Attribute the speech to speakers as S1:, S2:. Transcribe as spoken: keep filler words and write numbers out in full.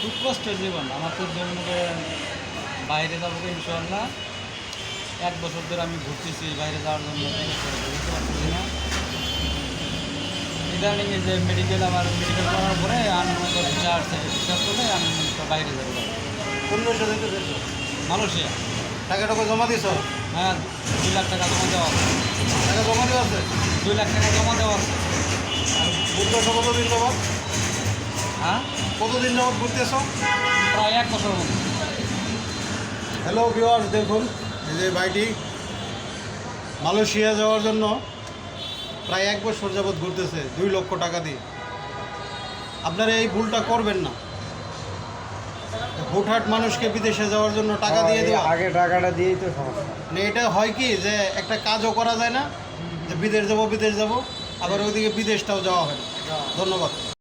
S1: খুব কষ্টের জীবন আমার তো যেমন বাইরে যাবো ইনশাল্লাহ এক বছর ধরে আমি ঘুরতেছি বাইরে যাওয়ার জন্য বুঝতে পারতেছি না ইদানিং যে মেডিকেল আমার মেডিকেল করার পরে আনন্দ চার থেকে বিশ্বাস করলে আমি বাইরে যাবো
S2: কোন দেশে যেতে চাইছো?
S1: মালয়েশিয়া।
S2: টাকা টাকা জমা দিছো?
S1: হ্যাঁ, দুই লাখ টাকা জমা দেওয়া আছে।
S2: টাকা জমা দেওয়া আছে?
S1: দুই লাখ টাকা জমা দেওয়া আছে।
S2: ঘুরতেছো কতদিন যাবত?
S1: হ্যাঁ,
S2: কতদিন যাবত ঘুরতেছো?
S1: প্রায় এক বছর মতো।
S2: হ্যালো ভিউয়ার্স, দেখুন এই যে ভাইটি মালয়েশিয়া যাওয়ার জন্য প্রায় এক বছর যাবত ঘুরতেছে দুই লক্ষ টাকা দিয়ে। আপনারা এই ভুলটা করবেন না। হুটহাট মানুষকে বিদেশে যাওয়ার জন্য টাকা দিয়ে দেওয়া,
S3: আগে টাকাটা দিয়েই তো সমস্যা।
S2: মানে এটা হয় কি যে একটা কাজও করা যায় না, যে বিদেশ যাব বিদেশ যাব আবার ওইদিকে বিদেশটাও যাওয়া হয় না। ধন্যবাদ।